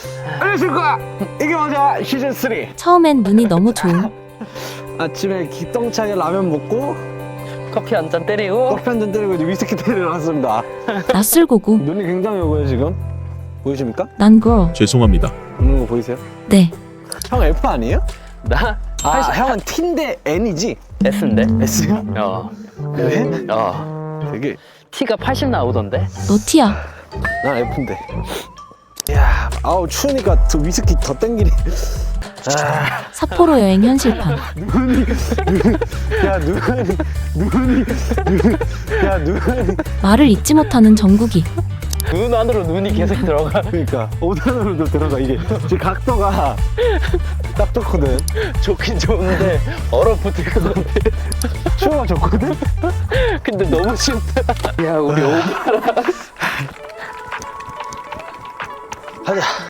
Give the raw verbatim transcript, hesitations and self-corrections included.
안녕하십니까. 이게 맞아 시즌 삼. 처음엔 눈이 너무 좋음. 아침에 기똥차게 라면 먹고 커피 한 잔 때리고 커피 한 잔 때리고 이제 위스키 때리러 왔습니다. 낯설고고. 눈이 굉장히 오고요 지금. 보이십니까? 난 girl. 죄송합니다. 웃는 거 보이세요? 네. 형 F 아니에요? 나 아 형은 T인데 N이지? S인데? S야? 어, 왜? 어. 되게 T가 팔십 나오던데? 너 T야. 난 F인데. 이야 아우 추우니까 저 위스키 더 땡기네. 아 삿포로 여행 현실판. 눈이 눈, 야 눈이 눈이 눈, 야 눈이 말을 잊지 못하는 정국이. 눈 안으로 눈이 계속 들어가. 그러니까 오 단으로도 들어가 이게 지금 각도가 딱 좋거든. 좋긴 좋은데 얼어붙을 것 같아. 추워가 좋거든. 근데 너무 춥다. 야, 우리 오바라. 가자.